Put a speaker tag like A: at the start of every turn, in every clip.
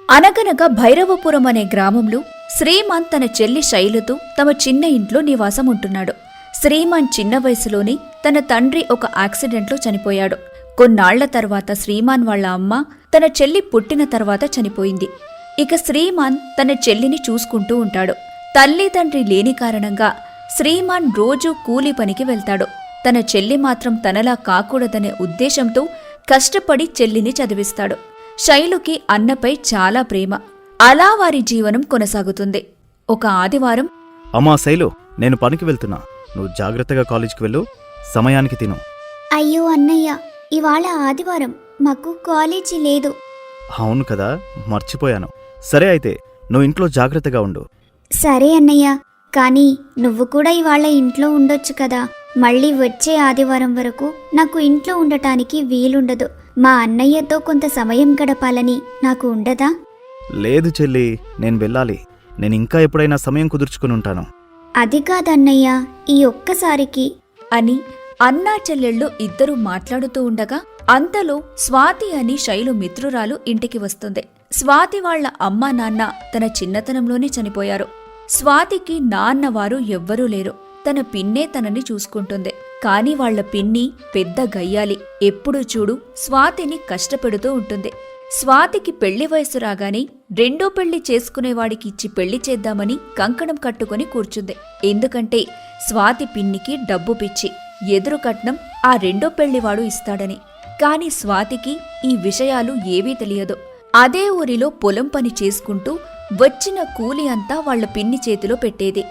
A: అనగనగా భైరవపురం అనే గ్రామంలో శ్రీమాన్ తన చెల్లి శైలుతో తమ చిన్న ఇంట్లో నివాసం ఉంటున్నాడు. శ్రీమాన్ చిన్న వయసులోనే తన తండ్రి ఒక యాక్సిడెంట్లో చనిపోయాడు. కొన్నాళ్ల తర్వాత శ్రీమాన్ వాళ్ళ అమ్మ తన చెల్లి పుట్టిన తర్వాత చనిపోయింది. ఇక శ్రీమాన్ తన చెల్లిని చూసుకుంటూ ఉంటాడు. తల్లి తండ్రి లేని కారణంగా శ్రీమాన్ రోజూ కూలీ పనికి వెళ్తాడు. తన చెల్లి మాత్రం తనలా కాకూడదనే ఉద్దేశంతో కష్టపడి చెల్లిని చదివిస్తాడు. శైలుకి అన్నపై చాలా ప్రేమ. అలా వారి జీవనం కొనసాగుతుంది. ఒక ఆదివారం,
B: అమ్మా శైలు, నేను పనికి వెళ్తున్నా, నువ్వు జాగ్రత్తగా కాలేజీకి వెళ్ళు, సమయానికి తిను.
C: అయ్యో అన్నయ్య, ఇవాళ ఆదివారం, మాకు కాలేజీ లేదు.
B: అవును కదా, మర్చిపోయాను. సరే అయితే నువ్వు ఇంట్లో జాగ్రత్తగా ఉండు.
C: సరే అన్నయ్య, కానీ నువ్వు కూడా ఇవాళ ఇంట్లో ఉండొచ్చు కదా. మళ్ళీ వచ్చే ఆదివారం వరకు నాకు ఇంట్లో ఉండటానికి వీలుండదు. మా అన్నయ్యతో కొంత సమయం గడపాలని నాకు ఉండదా?
B: లేదు చెల్లి, నేను వెళ్ళాలి. నేను ఇంకా ఎప్పుడైనా సమయం కుదుర్చుకుని ఉంటాను.
C: అది కాదన్నయ్య, ఈ ఒక్కసారికి
A: అని అన్నా చెల్లెళ్ళు ఇద్దరూ మాట్లాడుతూ ఉండగా అంతలో స్వాతి అని శైలు మిత్రురాలు ఇంటికి వస్తుంది. స్వాతి వాళ్ల అమ్మా నాన్న తన చిన్నతనంలోనే చనిపోయారు. స్వాతికి నాన్నవారు ఎవ్వరూ లేరు. తన పిన్నే తనని చూసుకుంటుంది. కాని వాళ్ల పిన్ని పెద్ద గయ్యాలి. ఎప్పుడూ చూడు స్వాతిని కష్టపెడుతూ ఉంటుంది. స్వాతికి పెళ్లి వయసు రాగానే రెండో పెళ్లి చేసుకునేవాడికి ఇచ్చి పెళ్లి చేద్దామని కంకణం కట్టుకుని కూర్చుంది. ఎందుకంటే స్వాతి పిన్నికి డబ్బు పిచ్చి, ఎదురు కట్నం ఆ రెండో పెళ్లివాడు ఇస్తాడని. కాని స్వాతికి ఈ విషయాలు ఏవీ తెలియదు. అదే ఊరిలో పొలం పని చేసుకుంటూ వచ్చిన కూలి అంతా వాళ్ల పిన్ని చేతిలో పెట్టేది.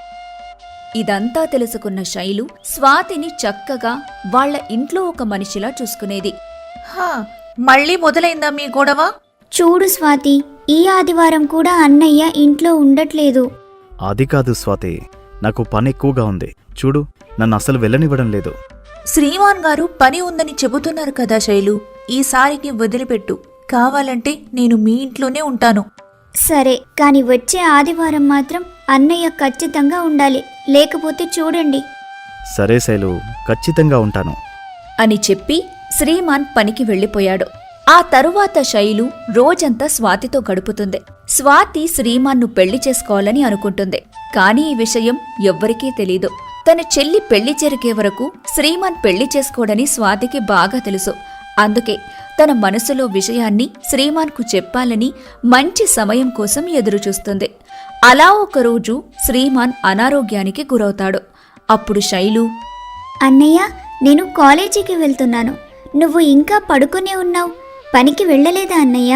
A: ఇదంతా తెలుసుకున్న శైలు స్వాతిని చక్కగా వాళ్ల ఇంట్లో ఒక మనిషిలా చూసుకునేది.
D: మళ్ళీ మొదలైందా మీ గొడవ?
C: చూడు స్వాతి, ఈ ఆదివారం కూడా అన్నయ్య ఇంట్లో ఉండట్లేదు.
B: అది కాదు స్వాతి, నాకు పని ఎక్కువగా ఉంది. చూడు, నన్ను అసలు వెళ్ళనివ్వడం లేదు.
D: శ్రీమాన్ గారు పని ఉందని చెబుతున్నారు కదా శైలు, ఈసారికి వదిలిపెట్టు. కావాలంటే నేను మీ ఇంట్లోనే ఉంటాను.
C: సరే, కాని వచ్చే ఆదివారం మాత్రం అన్నయ్య ఖచ్చితంగా ఉండాలి. లేకపోతే చూడండి.
B: సరే శైలు, ఖచ్చితంగా ఉంటాను
A: అని చెప్పి శ్రీమాన్ పనికి వెళ్లిపోయాడు. ఆ తరువాత శైలు రోజంతా స్వాతితో గడుపుతుంది. స్వాతి శ్రీమాన్ను పెళ్లి చేసుకోవాలని అనుకుంటుంది. కాని ఈ విషయం ఎవ్వరికీ తెలీదు. తన చెల్లి పెళ్లి జరిగే వరకు శ్రీమాన్ పెళ్లి చేసుకోడని స్వాతికి బాగా తెలుసు. అందుకే తన మనసులో విషయాన్ని శ్రీమాన్కు చెప్పాలని మంచి సమయం కోసం ఎదురుచూస్తుంది. అలా ఒకరోజు శ్రీమాన్ అనారోగ్యానికి గురవుతాడు. అప్పుడు శైలు,
C: అన్నయ్య, నేను కాలేజీకి వెళ్తున్నాను. నువ్వు ఇంకా పడుకునే ఉన్నావు. పనికి వెళ్ళలేదా అన్నయ్య?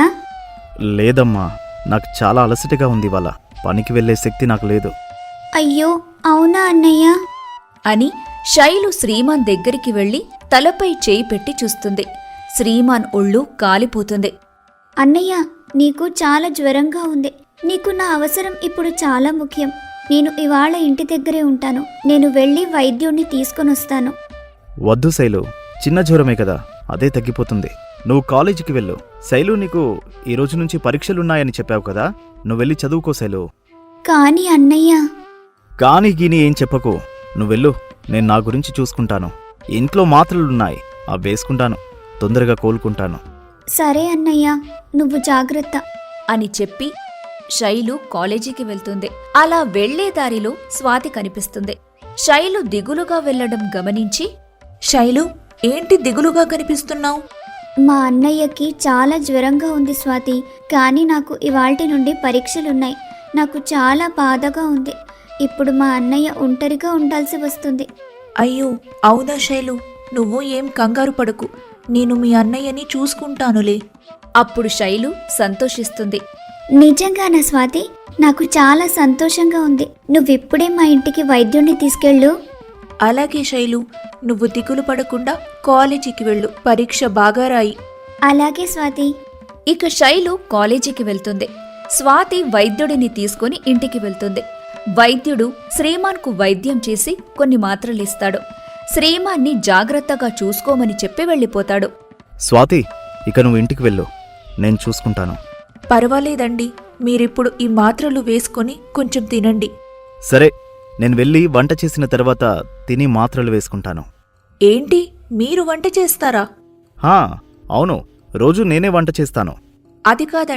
B: లేదమ్మా, నాకు చాలా అలసటగా ఉంది. ఇవాళ పనికి వెళ్లే శక్తి నాకు లేదు.
C: అయ్యో, అవునా అన్నయ్య?
A: అని శైలు శ్రీమాన్ దగ్గరికి వెళ్లి తలపై చేయి పెట్టి చూస్తుంది. శ్రీమాన్ ఒళ్ళు కాలిపోతుంది.
C: అన్నయ్య, నీకు చాలా జ్వరంగా ఉంది. నీకు నా అవసరం ఇప్పుడు చాలా ముఖ్యం. నేను ఇవాళ ఇంటి దగ్గరే ఉంటాను. నేను వెళ్ళి వైద్యుణ్ణి తీసుకొనొస్తాను.
B: వద్దు శైలు, చిన్న జ్వరమే కదా, అదే తగ్గిపోతుంది. నువ్వు కాలేజీకి వెళ్ళు. శైలు, నీకు ఈ రోజు నుంచి పరీక్షలున్నాయని చెప్పావు కదా, నువ్వు వెళ్ళి చదువుకో శైలు.
C: కానీ అన్నయ్య...
B: కాని గీని ఏం చెప్పకు, నువ్వెళ్ళు. నేను నా గురించి చూసుకుంటాను. ఇంట్లో మాత్రలున్నాయి, అవి వేసుకుంటాను. తొందరగా కోలుకుంటాను.
C: సరే అన్నయ్య, నువ్వు జాగ్రత్త
A: అని చెప్పి శైలు కాలేజీకి వెళ్తుంది. అలా వెళ్లే దారిలో స్వాతి కనిపిస్తుంది. శైలు దిగులుగా వెళ్లడం గమనించి,
D: శైలు, ఏంటి దిగులుగా కనిపిస్తున్నావు?
C: మా అన్నయ్యకి చాలా జ్వరంగా ఉంది స్వాతి. కానీ నాకు ఇవాల్టి నుండి పరీక్షలున్నాయి. నాకు చాలా బాధగా ఉంది. ఇప్పుడు మా అన్నయ్య ఒంటరిగా ఉండాల్సి వస్తుంది.
D: అయ్యో, అవునా శైలు, నువ్వు ఏం కంగారు పడకు. నేను మీ అన్నయ్యని చూసుకుంటానులే.
A: అప్పుడు శైలు సంతోషిస్తుంది.
C: నిజంగానా స్వాతి? నాకు చాలా సంతోషంగా ఉంది. నువ్విప్పుడే మా ఇంటికి వైద్యుణ్ణి తీసుకెళ్ళు.
D: అలాగే శైలు, నువ్వు దిగులు పడకుండా కాలేజీకి వెళ్ళు. పరీక్ష బాగా రాయి.
C: అలాగే స్వాతి.
A: ఇక శైలు కాలేజీకి వెళ్తుంది. స్వాతి వైద్యుడిని తీసుకుని ఇంటికి వెళ్తుంది. వైద్యుడు శ్రీమాన్కు వైద్యం చేసి కొన్ని మాత్రలిస్తాడు. శ్రీమాన్ని జాగ్రత్తగా చూసుకోమని చెప్పి వెళ్ళిపోతాడు.
B: స్వాతి, ఇక నువ్వు ఇంటికి వెళ్ళు, నేను చూసుకుంటాను.
D: పర్వాలేదండి, మీరిప్పుడు ఈ మాత్రలు వేసుకొని కొంచెం తినండి.
B: సరే, నేను వెళ్ళి వంట చేసిన తర్వాత తిని మాత్రలు వేసుకుంటాను.
D: ఏంటి, మీరు వంట చేస్తారా?
B: అవును, రోజు నేనే వంట చేస్తాను.
D: అది కాదండి,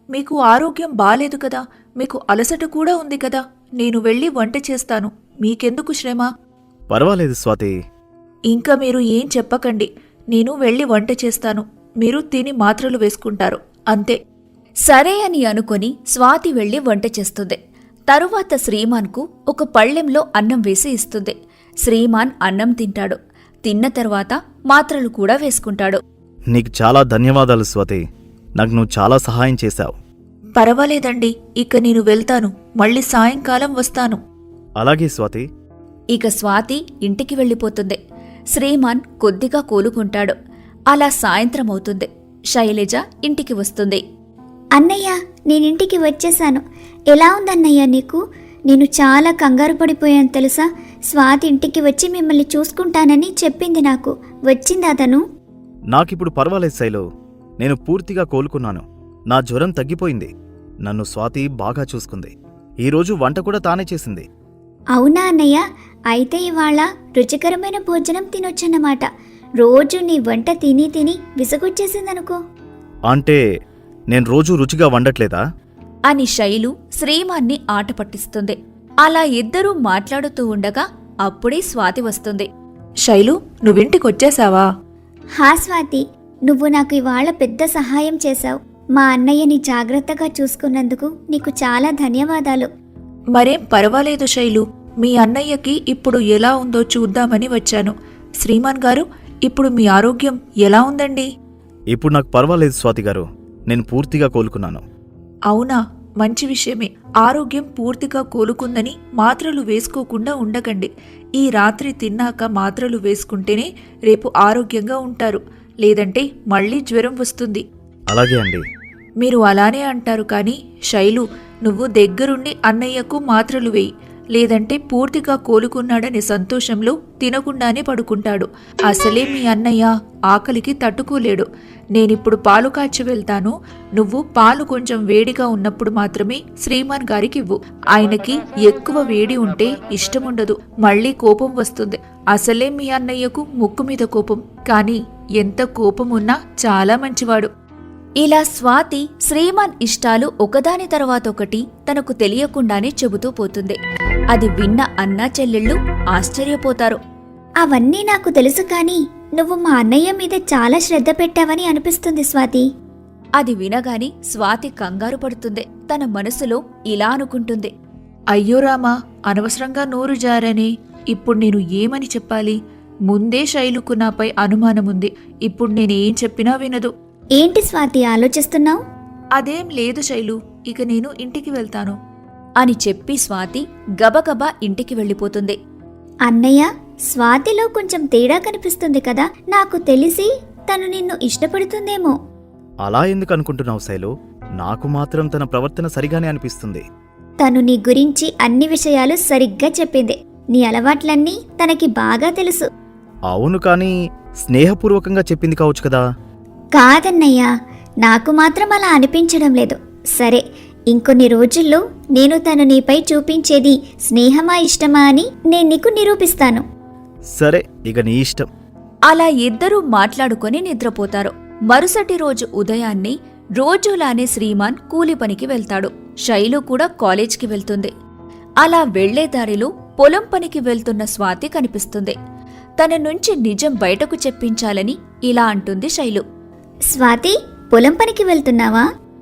D: మీకు ఆరోగ్యం బాలేదు కదా, మీకు అలసట కూడా ఉంది కదా, నేను వెళ్ళి వంట చేస్తాను, మీకెందుకు శ్రమ?
B: పర్వాలేదు స్వాతి.
D: ఇంకా మీరు ఏం చెప్పకండి, నేను వెళ్ళి వంట చేస్తాను, మీరు తిని మాత్రలు వేసుకుంటారు, అంతే.
A: సరే అని అనుకొని స్వాతి వెళ్లి వంట చేస్తుంది. తరువాత శ్రీమాన్కు ఒక పళ్ళెంలో అన్నం వేసి ఇస్తుంది. శ్రీమాన్ అన్నం తింటాడు. తిన్న తర్వాత మాత్రలు కూడా వేసుకుంటాడు.
B: నీకు చాలా ధన్యవాదాలు స్వాతి. నాకు నువ్వు చాలా సహాయం చేశావు.
D: పర్వాలేదండి, ఇక నేను వెళ్తాను, మళ్ళీ సాయంకాలం వస్తాను.
B: అలాగే స్వాతి.
A: ఇక స్వాతి ఇంటికి వెళ్ళిపోతుంది. శ్రీమాన్ కొద్దిగా కోలుకుంటాడు. అలా సాయంత్రం అవుతుంది. శైలజ ఇంటికి వస్తుంది.
C: అన్నయ్య, నేనింటికి వచ్చేశాను. ఎలా ఉందన్నయ్య నీకు? నేను చాలా కంగారు పడిపోయాను తెలుసా. స్వాతి ఇంటికి వచ్చి మిమ్మల్ని చూసుకుంటానని చెప్పింది నాకు. వచ్చిందా తను?
B: నాకిప్పుడు పర్వాలేదు శైలు. నేను పూర్తిగా కోలుకున్నాను. నా జ్వరం తగ్గిపోయింది. నన్ను స్వాతి బాగా చూసుకుంది. ఈరోజు వంట కూడా తానే చేసింది.
C: అవునా అన్నయ్య? అయితే ఇవాళ రుచికరమైన భోజనం తినొచ్చన్నమాట. రోజు నీ వంట తిని తిని విసుగొచ్చేసిందనుకో.
B: అంటే నేను రోజూ రుచిగా వండట్లేదా?
A: అని శైలు శ్రీమాన్ని ఆట పట్టిస్తుంది. అలా ఇద్దరూ మాట్లాడుతూ ఉండగా అప్పుడే స్వాతి వస్తుంది.
D: శైలు, నువ్వింటికొచ్చేశావా?
C: హా స్వాతి, నువ్వు నాకు ఇవాళ పెద్ద సహాయం చేశావు. మా అన్నయ్యని జాగ్రత్తగా చూసుకున్నందుకు నీకు చాలా ధన్యవాదాలు.
D: మరేం పర్వాలేదు శైలు, మీ అన్నయ్యకి ఇప్పుడు ఎలా ఉందో చూద్దామని వచ్చాను. శ్రీమాన్ గారు, ఇప్పుడు మీ ఆరోగ్యం ఎలా ఉందండి?
B: ఇప్పుడు నాకు పర్వాలేదు స్వాతి గారు. నేను పూర్తిగా కోలుకున్నాను.
D: అవునా, మంచి విషయమే. ఆరోగ్యం పూర్తిగా కోలుకుందని మాత్రలు వేసుకోకుండా ఉండకండి. ఈ రాత్రి తిన్నాక మాత్రలు వేసుకుంటేనే రేపు ఆరోగ్యంగా ఉంటారు, లేదంటే మళ్ళీ జ్వరం వస్తుంది.
B: అలాగే అండి.
D: మీరు అలానే అంటారు కానీ శైలు, నువ్వు దగ్గరుండి అన్నయ్యకు మాత్రలు వేయి, లేదంటే పూర్తిగా కోలుకున్నాడనే సంతోషంలో తినకుండానే పడుకుంటాడు. అసలే మీ అన్నయ్య ఆకలికి తట్టుకోలేడు. నేనిప్పుడు పాలు కాచి వెళ్తాను. నువ్వు పాలు కొంచెం వేడిగా ఉన్నప్పుడు మాత్రమే శ్రీమాన్ గారికి ఇవ్వు. ఆయనకి ఎక్కువ వేడి ఉంటే ఇష్టముండదు, మళ్ళీ కోపం వస్తుంది. అసలే మీ అన్నయ్యకు ముక్కు మీద కోపం, కానీ ఎంత కోపం ఉన్నా చాలా మంచివాడు.
A: ఇలా స్వాతి శ్రీమాన్ ఇష్టాలు ఒకదాని తర్వాత ఒకటి తనకు తెలియకుండానే చెబుతూ పోతుంది. అది విన్న అన్నా చెల్లెళ్ళు ఆశ్చర్యపోతారు.
C: అవన్నీ నాకు తెలుసు, కానీ నువ్వు మా అన్నయ్య మీద చాలా శ్రద్ధ పెట్టావని అనిపిస్తుంది స్వాతి.
A: అది వినగాని స్వాతి కంగారు పడుతుంది. తన మనసులో ఇలా అనుకుంటుంది.
D: అయ్యో రామా, అనవసరంగా నోరు జారనే. ఇప్పుడు నేను ఏమని చెప్పాలి? ముందే శైలుకు నాపై అనుమానముంది. ఇప్పుడు నేనేం చెప్పినా వినదు.
C: ఏంటి స్వాతి ఆలోచిస్తున్నావు?
D: అదేం లేదు శైలు, ఇక నేను ఇంటికి వెళ్తాను
A: అని చెప్పి స్వాతి గబగబా ఇంటికి వెళ్ళిపోతుంది.
C: అన్నయ్య, స్వాతిలో కొంచెం తేడా కనిపిస్తుంది కదా. నాకు తెలిసి తను నిన్ను ఇష్టపడుతుందేమో.
B: అలా ఎందుకు అనుకుంటున్నావు శైలు? నాకు మాత్రం తన ప్రవర్తన సరిగానే అనిపిస్తుంది.
C: తను నీ గురించి అన్ని విషయాలు సరిగ్గా చెప్పింది. నీ అలవాట్లన్నీ తనకి బాగా తెలుసు.
B: అవును, కానీ స్నేహపూర్వకంగా చెప్పింది కావచ్చు కదా.
C: కాదన్నయ్యా, నాకు మాత్రం అలా అనిపించడం లేదు. సరే, ఇంకొన్ని రోజుల్లో నేను తను నీపై చూపించేది స్నేహమా ఇష్టమా అని నేను నీకు నిరూపిస్తాను.
B: సరే, ఇక నీ ఇష్టం.
A: అలా ఇద్దరూ మాట్లాడుకొని నిద్రపోతారు. మరుసటి రోజు ఉదయాన్నే రోజులానే శ్రీమాన్ కూలి పనికి వెళ్తాడు. శైలు కూడా కాలేజ్కి వెళ్తుంది. అలా వెళ్లే దారిలో పొలం పనికి వెళ్తున్న స్వాతి కనిపిస్తుంది. తన నుంచి నిజం బయటకు చెప్పించాలని ఇలా అంటుంది శైలు.
C: స్వాతి, పొలం పనికి వెళ్తున్నావా?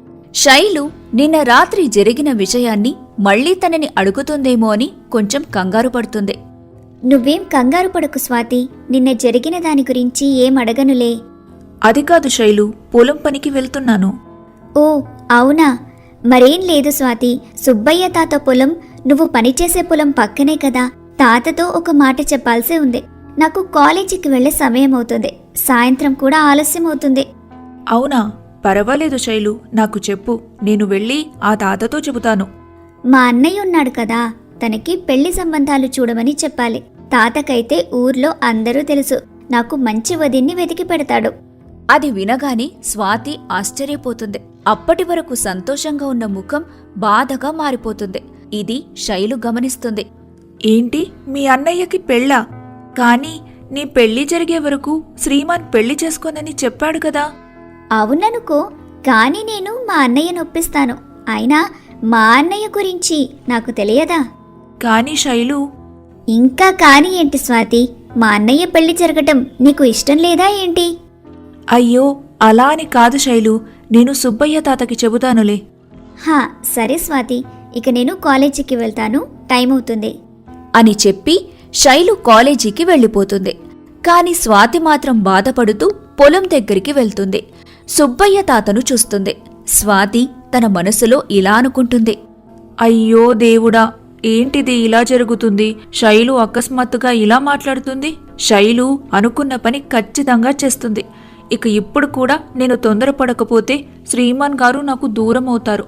A: శైలు నిన్న రాత్రి జరిగిన విషయాన్ని మళ్లీ తనని అడుగుతుందేమో అని కొంచెం కంగారు పడుతుంది.
C: నువ్వేం కంగారు పడకు స్వాతి, నిన్న జరిగిన దాని గురించి ఏం అడగనులే.
D: అది కాదు శైలు, పొలం పనికి వెళ్తున్నాను.
C: ఓ అవునా? మరేం లేదు స్వాతి, సుబ్బయ్య తాత పొలం, నువ్వు పనిచేసే పొలం పక్కనే కదా. తాతతో ఒక మాట చెప్పాల్సి ఉంది. నాకు కాలేజీకి వెళ్లే సమయం అవుతుంది. సాయంత్రం కూడా ఆలస్యం అవుతుంది.
D: అవునా? పర్వాలేదు శైలు, నాకు చెప్పు, నేను వెళ్ళి ఆ తాతతో చెబుతాను.
C: మా అన్నయ్య ఉన్నాడు కదా, తనకి పెళ్లి సంబంధాలు చూడమని చెప్పాలి. తాతకైతే ఊర్లో అందరూ తెలుసు. నాకు మంచి వదిన్ని వెతికి పెడతాడు.
A: అది వినగానే స్వాతి ఆశ్చర్యపోతుంది. అప్పటి వరకు సంతోషంగా ఉన్న ముఖం బాధగా మారిపోతుంది. ఇది శైలు గమనిస్తుంది.
D: ఏంటి, మీ అన్నయ్యకి పెళ్ళా? కానీ నీ పెళ్లి జరిగే వరకు శ్రీమాన్ పెళ్లి చేసుకోనని చెప్పాడు కదా.
C: అవుననుకో, కానీ నేను మా అన్నయ్యను ఒప్పిస్తాను. అయినా మా అన్నయ్య గురించి నాకు తెలియదా?
D: కానీ శైలు,
C: ఇంకా కానీ ఏంటి స్వాతి? మా అన్నయ్య పెళ్లి జరగటం నీకు ఇష్టం లేదా ఏంటి?
D: అయ్యో అలా అని కాదు శైలు, నేను సుబ్బయ్య తాతకి చెబుతానులే.
C: హా, సరే స్వాతి, ఇక నేను కాలేజీకి వెళ్తాను, టైం అవుతుంది.
A: అని చెప్పి శైలు కాలేజీకి వెళ్ళిపోతుంది. కాని స్వాతి మాత్రం బాధపడుతూ పొలం దగ్గరికి వెళ్తుంది. సుబ్బయ్య తాతను చూస్తుంది. స్వాతి తన మనసులో ఇలా అనుకుంటుంది.
D: అయ్యో దేవుడా, ఏంటిది ఇలా జరుగుతుంది? శైలు అకస్మాత్తుగా ఇలా మాట్లాడుతుంది. శైలు అనుకున్న పని ఖచ్చితంగా చేస్తుంది. ఇక ఇప్పుడు కూడా నేను తొందరపడకపోతే శ్రీమాన్ గారు నాకు దూరం అవుతారు.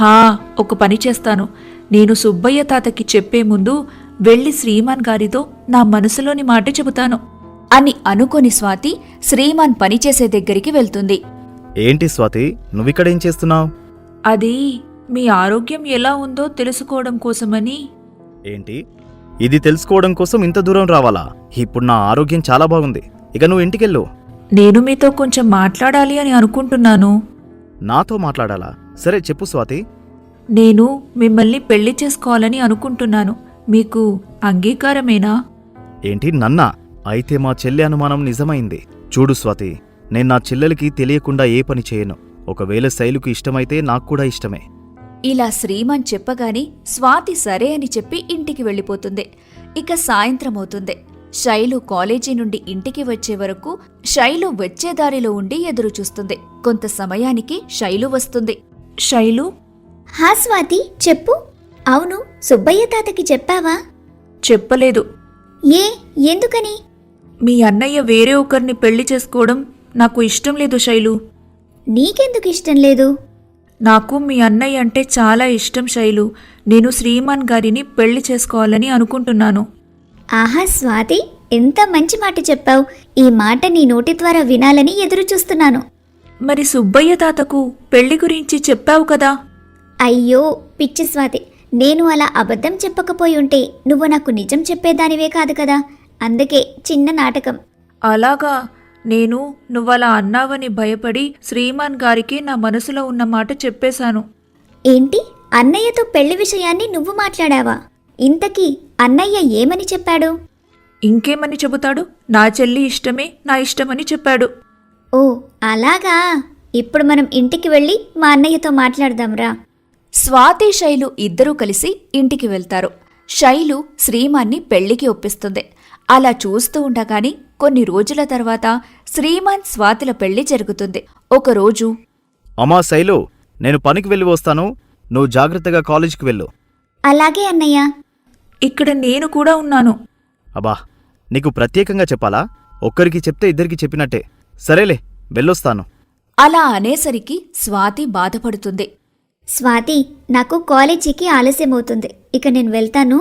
D: ఒక పని చేస్తాను. నేను సుబ్బయ్య తాతకి చెప్పే ముందు వెళ్ళి శ్రీమాన్ గారితో నా మనసులోని మాట చెబుతాను
A: అని అనుకొని స్వాతి శ్రీమాన్ పనిచేసే దగ్గరికి వెళ్తుంది.
B: ఏంటి స్వాతి, నువ్విక్కడేం చేస్తున్నావు?
D: అది మీ ఆరోగ్యం ఎలా ఉందో తెలుసుకోవడం కోసమని.
B: ఏంటి, ఇది తెలుసుకోవడం కోసం ఇంత దూరం రావాలా? ఇప్పుడు నా ఆరోగ్యం చాలా బాగుంది. ఇక నువ్వు ఇంటికెళ్ళు.
D: నేను మీతో కొంచెం మాట్లాడాలి అని అనుకుంటున్నాను.
B: నాతో మాట్లాడాలా? సరే చెప్పు స్వాతి.
D: నేను మిమ్మల్ని పెళ్లి చేసుకోవాలని అనుకుంటున్నాను. మీకు అంగీకారమేనా?
B: ఏంటి, నన్నా? అయితే మా చెల్లి అనుమానం నిజమైంది. చూడు స్వాతి, నేను నా చెల్లెలికి తెలియకుండా ఏ పని చేయను. ఒకవేళ శైలుకు ఇష్టమైతే నాకు కూడా ఇష్టమే.
A: ఇలా శ్రీమాన్ చెప్పగానే స్వాతి సరే అని చెప్పి ఇంటికి వెళ్ళిపోతుంది. ఇక సాయంత్రమవుతుంది. శైలు కాలేజీ నుండి ఇంటికి వచ్చే వరకు శైలు వచ్చే దారిలో ఉండి ఎదురుచూస్తుంది. కొంత సమయానికి శైలు వస్తుంది.
D: శైలు,
C: హా స్వాతి, చెప్పు. అవును, సుబ్బయ్య తాతకి చెప్పావా?
D: చెప్పలేదు.
C: ఏ, ఎందుకని?
D: మీ అన్నయ్య వేరే ఒకరిని పెళ్లి చేసుకోవడం నాకు ఇష్టం లేదు శైలు.
C: నీకెందుకు ఇష్టం లేదు?
D: నాకు మీ అన్నయ్య అంటే చాలా ఇష్టం శైలు. నేను శ్రీమాన్ గారిని పెళ్లి చేసుకోవాలని అనుకుంటున్నాను.
C: ఆహా స్వాతి, ఎంత మంచి మాట చెప్పావు. ఈ మాట నీ నోటి ద్వారా వినాలని ఎదురు చూస్తున్నాను.
D: మరి సుబ్బయ్య తాతకు పెళ్లి గురించి చెప్పావు కదా?
C: అయ్యో పిచ్చి స్వాతి, నేను అలా అబద్ధం చెప్పకపోయి ఉంటే నువ్వు నాకు నిజం చెప్పేదానివే కాదు కదా. అందుకే చిన్న నాటకం.
D: అలాగా? నేను నువ్వలా అన్నావని భయపడి శ్రీమాన్ గారికి నా మనసులో ఉన్న మాట చెప్పేశాను.
C: ఏంటి, అన్నయ్యతో పెళ్లి విషయాన్ని నువ్వు మాట్లాడావా? ఇంతకీ అన్నయ్య ఏమని చెప్పాడు?
D: ఇంకేమని చెబుతాడు? నా చెల్లి ఇష్టమే నా ఇష్టమని చెప్పాడు.
C: ఓ అలాగా. ఇప్పుడు మనం ఇంటికి వెళ్ళి మా అన్నయ్యతో మాట్లాడదాంరా.
A: స్వాతి శైలు ఇద్దరూ కలిసి ఇంటికి వెళ్తారు. శైలు శ్రీమాన్ని పెళ్లికి ఒప్పిస్తుంది. అలా చూస్తూ ఉండగాని కొన్ని రోజుల తర్వాత శ్రీమాన్ స్వాతిల పెళ్లి జరుగుతుంది. ఒకరోజు,
B: అమ్మా శైలు, నేను పనికి వెళ్ళి వస్తాను. నువ్వు జాగ్రత్తగా కాలేజీకి వెళ్ళు.
C: అలాగే అన్నయ్య.
D: ఇక్కడ నేను కూడా ఉన్నాను.
B: అబ్బా, నీకు ప్రత్యేకంగా చెప్పాలా? ఒక్కరికి చెప్తే ఇద్దరికి చెప్పినట్టే. సరేలే, వెళ్ళొస్తాను.
A: అలా అనేసరికి స్వాతి బాధపడుతుంది.
C: స్వాతి, నాకు కాలేజీకి ఆలస్యమవుతుంది. ఇక నేను వెళ్తాను.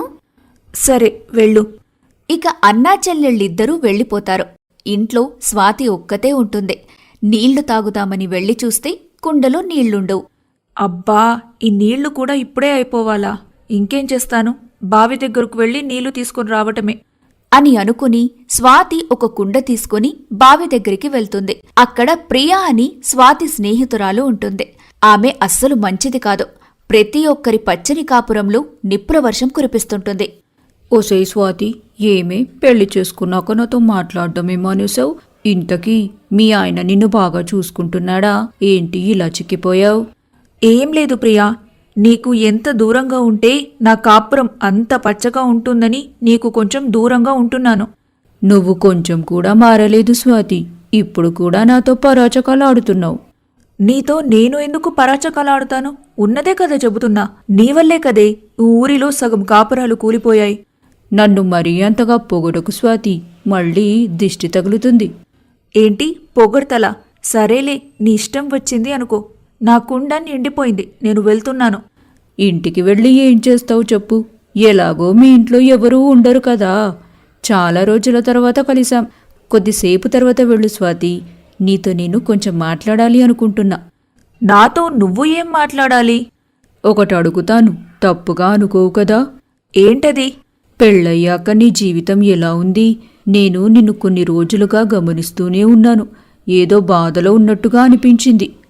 D: సరే వెళ్ళు.
A: ఇక అన్నా చెల్లెళ్ళిద్దరూ వెళ్ళిపోతారు. ఇంట్లో స్వాతి ఒక్కతే ఉంటుంది. నీళ్లు తాగుదామని వెళ్లి చూస్తే కుండలో నీళ్లుండవు.
D: అబ్బా, ఈ నీళ్లు కూడా ఇప్పుడే అయిపోవాలా? ఇంకేం చేస్తాను, బావి దగ్గరకు వెళ్ళి నీళ్లు తీసుకుని రావటమే
A: అని అనుకుని స్వాతి ఒక కుండ తీసుకుని బావి దగ్గరికి వెళ్తుంది. అక్కడ ప్రియా అని స్వాతి స్నేహితురాలు ఉంటుంది. ఆమె అస్సలు మంచిది కాదు. ప్రతి ఒక్కరి పచ్చని కాపురంలో నిప్పుల వర్షం కురిపిస్తుంటుంది.
E: ఓసే స్వాతి, ఏమే పెళ్లి చేసుకున్నాక నాతో మాట్లాడడమే మానేశావు? ఇంతకీ మీ ఆయన నిన్ను బాగా చూసుకుంటున్నాడా? ఏంటి ఇలా చిక్కిపోయావు?
D: ఏం లేదు ప్రియా, నీకు ఎంత దూరంగా ఉంటే నా కాపురం అంత పచ్చగా ఉంటుందని నీకు కొంచెం దూరంగా ఉంటున్నాను.
E: నువ్వు కొంచెం కూడా మారలేదు స్వాతి. ఇప్పుడు కూడా నాతో పరాచకాలాడుతున్నావు.
D: నీతో నేను ఎందుకు పరాచకాలాడుతాను? ఉన్నదే కదా చెబుతున్నా. నీవల్లే కదే ఊరిలో సగం కాపురాలు కూలిపోయాయి.
E: నన్ను మరీ అంతగా పొగడకు స్వాతి, మళ్ళీ దిష్టి తగులుతుంది.
D: ఏంటి పొగడ్తలా? సరేలే, నీ ఇష్టం వచ్చింది అనుకో. నా కుండ నిండిపోయింది, నేను వెళ్తున్నాను.
E: ఇంటికి వెళ్ళి ఏం చేస్తావు చెప్పు? ఎలాగో మీ ఇంట్లో ఎవరూ ఉండరు కదా. చాలా రోజుల తర్వాత కలిసాం. కొద్దిసేపు తర్వాత వెళ్ళు స్వాతి. నీతో నేను కొంచెం మాట్లాడాలి అనుకుంటున్నా.
D: నాతో నువ్వు ఏం మాట్లాడాలి?
E: ఒకటి అడుగుతాను, తప్పుగా అనుకోవు కదా?
D: ఏంటది?
E: పెళ్ళయ్యాక నీ జీవితం ఎలా ఉంది? నేను నిన్ను కొన్ని రోజులుగా గమనిస్తూనే ఉన్నాను. ఏదో బాధలో ఉన్నట్టుగా అనిపించింది.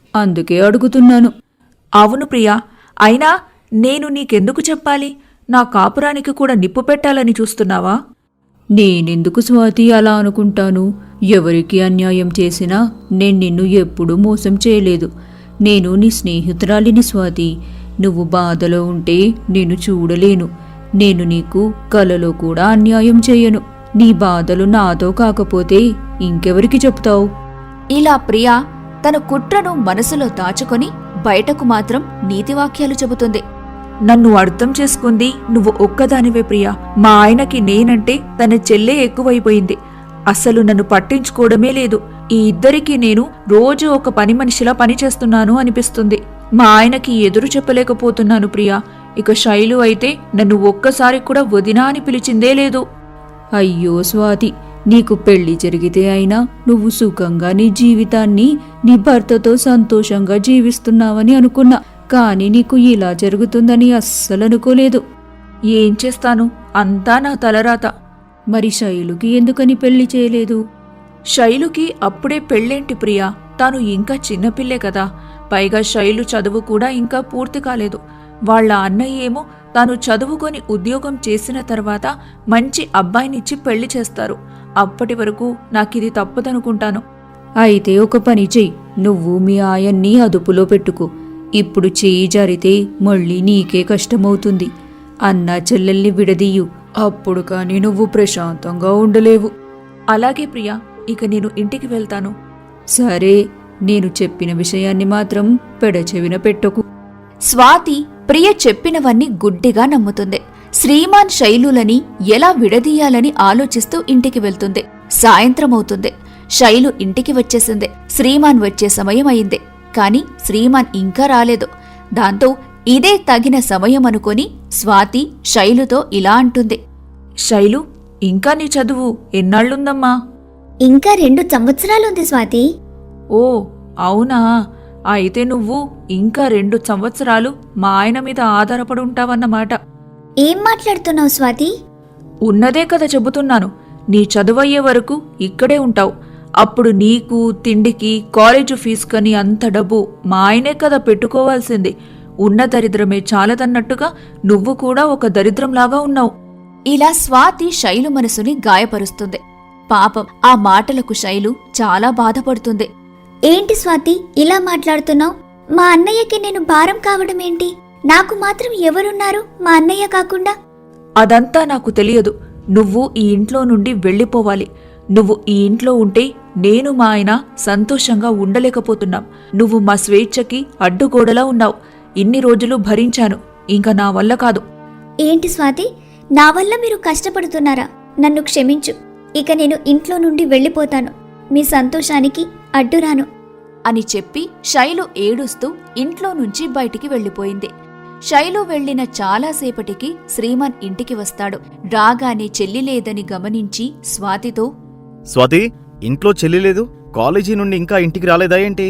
E: అందుకే అడుగుతున్నాను.
D: అవును ప్రియా, అయినా నేను నీకెందుకు చెప్పాలి? నా కాపురానికి కూడా నిప్పు పెట్టాలని చూస్తున్నావా?
E: నేనెందుకు స్వాతి అలా అనుకుంటాను? ఎవరికి అన్యాయం చేసినా నేను నిన్ను ఎప్పుడూ మోసం చేయలేదు. నేను నీ స్నేహితురాలిని స్వాతి. నువ్వు బాధలో ఉంటే నేను చూడలేను. నేను నీకు కలలో కూడా అన్యాయం చేయను. నీ బాధలు నాతో కాకపోతే ఇంకెవరికి చెప్తావు?
A: ఇలా ప్రియా తన కుట్రను మనసులో దాచుకొని బయటకు మాత్రం నీతివాక్యాలు చెబుతుంది.
D: నన్ను అర్థం చేసుకుంది నువ్వు ఒక్కదానివే ప్రియా. మా ఆయనకి నేనంటే తన చెల్లే ఎక్కువైపోయింది. అసలు నన్ను పట్టించుకోవడమే లేదు. ఈ ఇద్దరికీ నేను రోజు ఒక పని మనిషిలా పనిచేస్తున్నాను అనిపిస్తుంది. మా ఆయనకి ఎదురు చెప్పలేకపోతున్నాను ప్రియా. ఇక శైలు అయితే నన్ను ఒక్కసారి కూడా వదినా అని పిలిచిందే లేదు.
E: అయ్యో స్వాతి, నీకు పెళ్లి జరిగితే అయినా నువ్వు సుఖంగా నీ జీవితాన్ని నీ భర్తతో సంతోషంగా జీవిస్తున్నావని అనుకున్నా. కాని నీకు ఇలా జరుగుతుందని అస్సలు అనుకోలేదు.
D: ఏం చేస్తాను, అంతా నా తలరాత.
E: మరి శైలుకి ఎందుకని పెళ్లి చేయలేదు?
D: శైలుకి అప్పుడే పెళ్ళేంటి ప్రియా? తాను ఇంకా చిన్నపిల్లే కదా. పైగా శైలు చదువు కూడా ఇంకా పూర్తి కాలేదు. వాళ్ళ అన్నయ్య ఏమో తాను చదువుకొని ఉద్యోగం చేసిన తర్వాత మంచి అబ్బాయినిచ్చి పెళ్లి చేస్తారు. అప్పటి వరకు నాకిది తప్పదనుకుంటాను.
E: అయితే ఒక పని చెయ్యి, నువ్వు మీ ఆయన్ని అదుపులో పెట్టుకో. ఇప్పుడు చేయి జారితే మళ్ళీ నీకే కష్టమవుతుంది. అన్నా చెల్లెల్ని విడదీయు. అప్పుడు కాని నువ్వు ప్రశాంతంగా ఉండలేవు.
D: అలాగే ప్రియా, ఇక నేను ఇంటికి వెళ్తాను.
E: సరే, నేను చెప్పిన విషయాన్ని మాత్రం పెడచెవిన పెట్టకు.
A: స్వాతి ప్రియ చెప్పినవన్నీ గుడ్డిగా నమ్ముతుంది. శ్రీమాన్ శైలులని ఎలా విడదీయాలని ఆలోచిస్తూ ఇంటికి వెళ్తుంది. సాయంత్రమవుతుంది. శైలు ఇంటికి వచ్చేసింది. శ్రీమాన్ వచ్చే సమయం అయింది. కాని శ్రీమాన్ ఇంకా రాలేదు. దాంతో ఇదే తగిన సమయం అనుకొని స్వాతి శైలుతో ఇలా అంటుంది.
D: శైలు, ఇంకా నీ చదువు ఎన్నాళ్లుందమ్మా?
C: ఇంకా 2 సంవత్సరాలుంది స్వాతి.
D: ఓ అవునా? అయితే నువ్వు ఇంకా 2 సంవత్సరాలు మా ఆయన మీద ఆధారపడి ఉంటావన్నమాట.
C: ఏం మాట్లాడుతున్నావు స్వాతి?
D: ఉన్నదే కదా చెబుతున్నాను. నీ చదువయ్యే వరకు ఇక్కడే ఉంటావు. అప్పుడు నీకు, తిండికి, కాలేజు ఫీజుకని అంత డబ్బు మా ఆయనే కదా పెట్టుకోవాల్సింది. ఉన్న దరిద్రమే చాలదన్నట్టుగా నువ్వు కూడా ఒక దరిద్రంలాగా ఉన్నావు.
A: ఇలా స్వాతి శైలు మనసుని గాయపరుస్తుంది. పాపం ఆ మాటలకు శైలు చాలా బాధపడుతుంది.
C: ఏంటి స్వాతి ఇలా మాట్లాడుతున్నావు? మా అన్నయ్యకి నేను భారం కావడమేంటి? నాకు మాత్రం ఎవరున్నారు మా అన్నయ్య కాకుండా?
D: అదంతా నాకు తెలియదు. నువ్వు ఈ ఇంట్లో నుండి వెళ్ళిపోవాలి. నువ్వు ఈ ఇంట్లో ఉంటే నేను మా ఆయన సంతోషంగా ఉండలేకపోతున్నాం. నువ్వు మా స్వేచ్ఛకి అడ్డుగోడలా ఉన్నావు. ఇన్ని రోజులు భరించాను. ఇంకా నా వల్ల కాదు.
C: ఏంటి స్వాతి, నా వల్ల మీరు కష్టపడుతున్నారా? నన్ను క్షమించు. ఇక నేను ఇంట్లో నుండి వెళ్ళిపోతాను. మీ సంతోషానికి అడ్డురాను
A: అని చెప్పి శైలు ఏడుస్తూ ఇంట్లో నుంచి బయటికి వెళ్ళిపోయింది. శైలు వెళ్లిన చాలాసేపటికి శ్రీమాన్ ఇంటికి వస్తాడు. రాగానే చెల్లి లేదని గమనించి స్వాతితో,
B: స్వాతి, ఇంట్లో చెల్లి లేదు, కాలేజీ నుండి ఇంకా ఇంటికి రాలేదా ఏంటి?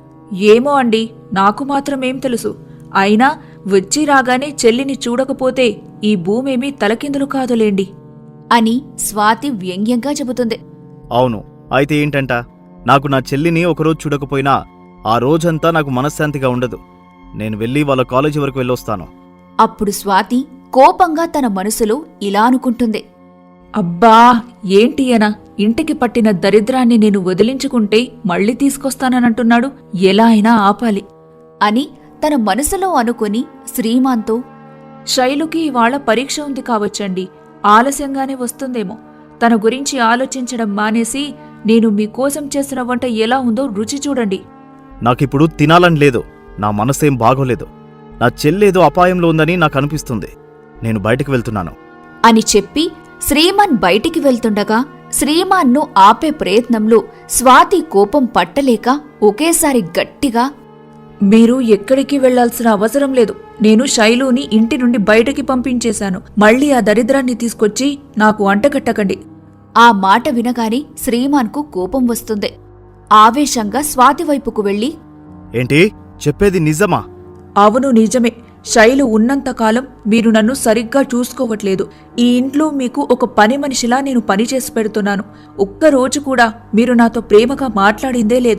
D: ఏమో అండి, నాకు మాత్రమేం తెలుసు. అయినా వచ్చి రాగానే చెల్లిని చూడకపోతే ఈ భూమేమీ తలకిందులు కాదులేండి
A: అని స్వాతి వ్యంగ్యంగా చెబుతుంది.
B: అవును, అయితే ఏంటంట? నాకు నా చెల్లిని ఒకరోజు చూడకపోయినా ఆ రోజంతా నాకు మనశ్శాంతిగా ఉండదు. నేను వెళ్ళి వాళ్ళ కాలేజీ వరకు వెళ్ళొస్తాను.
A: అప్పుడు స్వాతి కోపంగా తన మనసులో ఇలా అనుకుంటుంది.
D: అబ్బా, ఏంటియనా ఇంటికి పట్టిన దరిద్రాన్ని నేను వదిలించుకుంటే మళ్ళీ తీసుకొస్తానంటున్నాడు. ఎలా అయినా ఆపాలి
A: అని తన మనసులో అనుకుని శ్రీమాన్తో,
D: శైలుకి ఇవాళ పరీక్ష ఉంది కావచ్చండి. ఆలస్యంగానే వస్తుందేమో. తన గురించి ఆలోచించడం మానేసి నేను మీకోసం చేసిన వంట ఎలా ఉందో రుచి చూడండి.
B: నాకిప్పుడు తినాలని లేదు. నా మనసేం బాగోలేదు. నా చెల్లేదో అపాయంలో ఉందని నాకు అనిపిస్తుంది. నేను బయటికి వెళ్తున్నాను
A: అని చెప్పి శ్రీమాన్ బయటికి వెళ్తుండగా శ్రీమాన్ను ఆపే ప్రయత్నంలో స్వాతి కోపం పట్టలేక ఒకేసారి గట్టిగా,
D: మీరు ఎక్కడికి వెళ్లాల్సిన అవసరం లేదు. నేను శైలుని ఇంటి నుండి బయటకి పంపించేశాను. మళ్ళీ ఆ దరిద్రాన్ని తీసుకొచ్చి నాకు అంటగట్టకండి.
A: ఆ మాట వినగానే శ్రీమాన్కు కోపం వస్తుంది. ఆవేశంగా స్వాతి వైపుకు వెళ్లి,
B: ఏంటి చెప్పేది నిజమా?
D: అవును, నిజమే. శైలు ఉన్నంతకాలం మీరు నన్ను సరిగ్గా చూసుకోవట్లేదు. ఈ ఇంట్లో మీకు ఒక పని మనిషిలా నేను పనిచేసి పెడుతున్నాను. ఒక్కరోజు కూడా మీరు నాతో ప్రేమగా మాట్లాడిందే లేదు.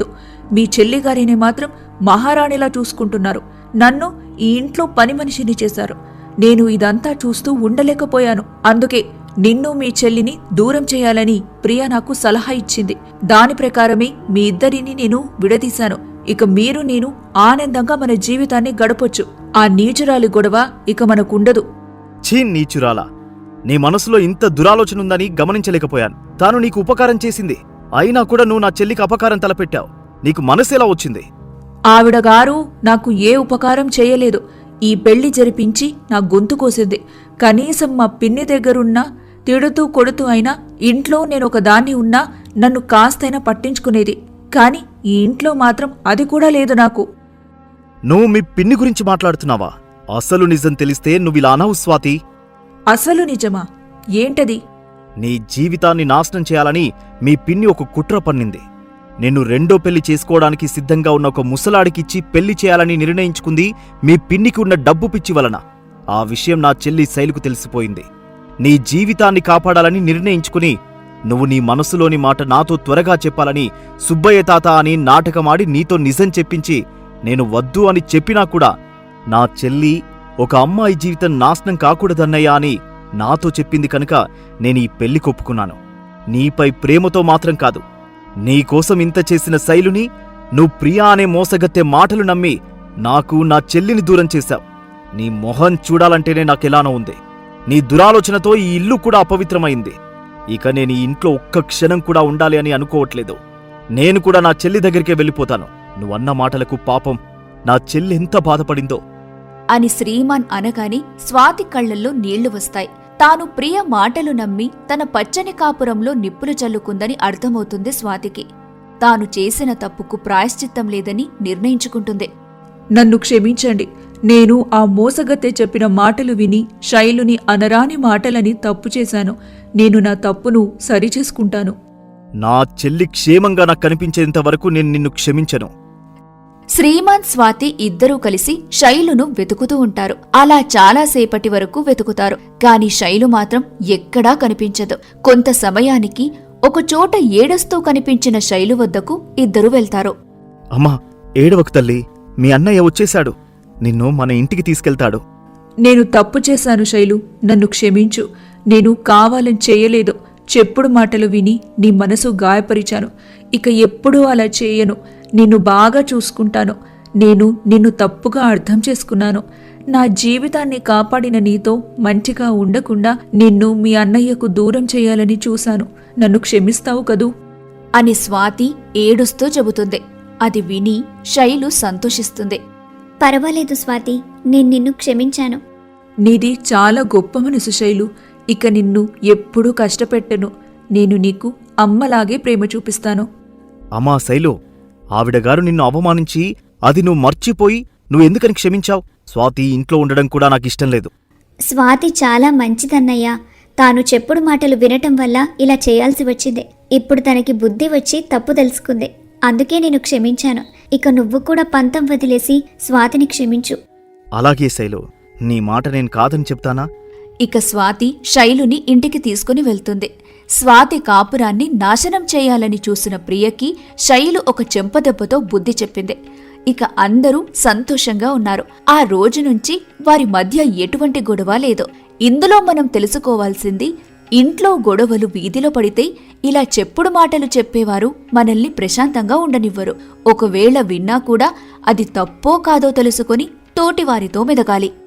D: మీ చెల్లిగారిని మాత్రం మహారాణిలా చూసుకుంటున్నారు. నన్ను ఈ ఇంట్లో పని మనిషిని చేశారు. నేను ఇదంతా చూస్తూ ఉండలేకపోయాను. అందుకే నిన్ను మీ చెల్లిని దూరం చేయాలని ప్రియ నాకు సలహా ఇచ్చింది. దాని ప్రకారమే మీ ఇద్దరిని నేను విడదీశాను. ఇక మీరు నేను ఆనందంగా మన జీవితాన్ని గడపొచ్చు. ఆ నీచురాలి గొడవ ఇక మనకుండదు.
B: ఛీ నీచురాలా, నీ మనసులో ఇంత దురాలోచన ఉందని గమనించలేకపోయాను. తాను నీకు ఉపకారం చేసింది, అయినా కూడా నువ్వు నా చెల్లికి అపకారం తలపెట్టావు. నీకు మనసెలా వచ్చింది?
D: ఆవిడగారు నాకు ఏ ఉపకారం చేయలేదు. ఈ పెళ్లి జరిపించి నా గొంతు కోసింది. కనీసం మా పిన్ని దగ్గరున్నా తిడుతూ కొడుతూ అయినా ఇంట్లో నేనొక దాన్ని ఉన్నా నన్ను కాస్తైనా పట్టించుకునేది. కాని ఈ ఇంట్లో మాత్రం అది కూడా లేదు నాకు.
B: నువ్వు మీ పిన్ని గురించి మాట్లాడుతున్నావా? అసలు నిజం తెలిస్తే నువ్విలా అనవు స్వాతి.
D: అసలు నిజమా? ఏంటది?
B: నీ జీవితాన్ని నాశనం చేయాలని మీ పిన్ని ఒక కుట్ర పన్నింది. నిన్ను రెండో పెళ్లి చేసుకోవడానికి సిద్ధంగా ఉన్న ఒక ముసలాడికిచ్చి పెళ్లి చేయాలని నిర్ణయించుకుంది మీ పిన్నికి ఉన్న డబ్బు పిచ్చి వలన. ఆ విషయం నా చెల్లి శైలుకు తెలిసిపోయింది. నీ జీవితాన్ని కాపాడాలని నిర్ణయించుకుని నువ్వు నీ మనసులోని మాట నాతో త్వరగా చెప్పాలని సుబ్బయ్య తాత అని నాటకమాడి నీతో నిజం చెప్పించి నేను వద్దు అని చెప్పినా కూడా నా చెల్లి ఒక అమ్మాయి జీవితం నాశనం కాకూడదన్నయ్యా అని నాతో చెప్పింది కనుక నేను ఈ పెళ్లి కొప్పుకున్నాను. నీపై ప్రేమతో మాత్రం కాదు, నీకోసం ఇంత చేసిన శైలుని నువ్వు ప్రియా అనే మోసగత్తె మాటలు నమ్మి నాకు నా చెల్లిని దూరం చేశావు. నీ మొహం చూడాలంటేనే నాకెలానో ఉంది. నీ దురాలోచనతో ఈ ఇల్లు కూడా అపవిత్రమైంది. ఇక నేను ఈ ఇంట్లో ఒక్క క్షణం కూడా ఉండాలి అని అనుకోవట్లేదు. నేను కూడా నా చెల్లి దగ్గరికే వెళ్ళిపోతాను. నువ్వన్న మాటలకు పాపం నా చెల్లి ఎంత బాధపడిందో
A: అని శ్రీమాన్ అనగానే స్వాతి కళ్లల్లో నీళ్లు వస్తాయి. తాను ప్రియ మాటలు నమ్మి తన పచ్చని కాపురంలో నిప్పులు చల్లుకుందని అర్థమవుతుంది స్వాతికి. తాను చేసిన తప్పుకు ప్రాయశ్చిత్తం లేదని నిర్ణయించుకుంటుంది.
D: నన్ను క్షమించండి. నేను ఆ మోసగత్తె చెప్పిన మాటలు విని శైలుని అనరాని మాటలని తప్పు చేశాను. నేను నా తప్పును సరిచేసుకుంటాను.
B: నా చెల్లి క్షేమంగా నాకు కనిపించేంత వరకు నేను నిన్ను క్షమించను.
A: శ్రీమాన్ స్వాతి ఇద్దరూ కలిసి శైలును వెతుకుతూ ఉంటారు. అలా చాలాసేపటి వరకు వెతుకుతారు. కాని శైలు మాత్రం ఎక్కడా కనిపించదు. కొంత సమయానికి ఒకచోట ఏడుస్తూ కనిపించిన శైలు వద్దకు ఇద్దరూ వెళ్తారు.
B: అమ్మా, ఏడవకు తల్లి, మీ అన్నయ్య వచ్చేశాడు. నిన్ను మన ఇంటికి తీసుకెళ్తాడు.
D: నేను తప్పు చేశాను శైలు, నన్ను క్షమించు. నేను కావాలని చేయలేదు. చెప్పుడు మాటలు విని నీ మనసు గాయపరిచాను. ఇక ఎప్పుడూ అలా చేయను. నిన్ను బాగా చూసుకుంటాను. నేను నిన్ను తప్పుగా అర్థం చేసుకున్నాను. నా జీవితాన్ని కాపాడిన నీతో మంచిగా ఉండకుండా నిన్ను మీ అన్నయ్యకు దూరం చేయాలని చూశాను. నన్ను క్షమిస్తావు కదూ
A: అని స్వాతి ఏడుస్తూ చెబుతుంది. అది విని శైలు సంతోషిస్తుంది.
C: పర్వాలేదు స్వాతి, నేను నిన్ను క్షమించాను.
D: నీది చాలా గొప్ప మనసు శైలు. ఇక నిన్ను ఎప్పుడూ కష్టపెట్టను. నేను నీకు అమ్మలాగే ప్రేమ చూపిస్తాను.
B: అమ్మా శైలు, ఆవిడగారు నిన్ను అవమానించి అది నువ్వు మర్చిపోయి నువ్వెందుకని క్షమించావు? స్వాతి ఇంట్లో ఉండడం కూడా నాకిష్టం లేదు.
C: స్వాతి చాలా మంచిదన్నయ్యా. తాను చెప్పుడు మాటలు వినటం వల్ల ఇలా చేయాల్సి వచ్చింది. ఇప్పుడు తనకి బుద్ధి వచ్చి తప్పు తెలుసుకుంది. అందుకే నేను క్షమించాను. ఇక నువ్వు కూడా పంతం వదిలేసి స్వాతిని క్షమించు.
B: అలాగే శైలు, నీ మాట నేను కాదని చెప్తానా?
A: ఇక స్వాతి శైలుని ఇంటికి తీసుకుని వెళ్తుంది. స్వాతి కాపురాన్ని నాశనం చేయాలని చూసిన ప్రియకి శైలు ఒక చెంపదెబ్బతో బుద్ధి చెప్పింది. ఇక అందరూ సంతోషంగా ఉన్నారు. ఆ రోజు నుంచి వారి మధ్య ఎటువంటి గొడవ లేదు. ఇందులో మనం తెలుసుకోవాల్సింది, ఇంట్లో గొడవలు వీధిలో పడితే ఇలా చెప్పుడు మాటలు చెప్పేవారు మనల్ని ప్రశాంతంగా ఉండనివ్వరు. ఒకవేళ విన్నా కూడా అది తప్పో కాదో తెలుసుకొని తోటివారితో మెదగాలి.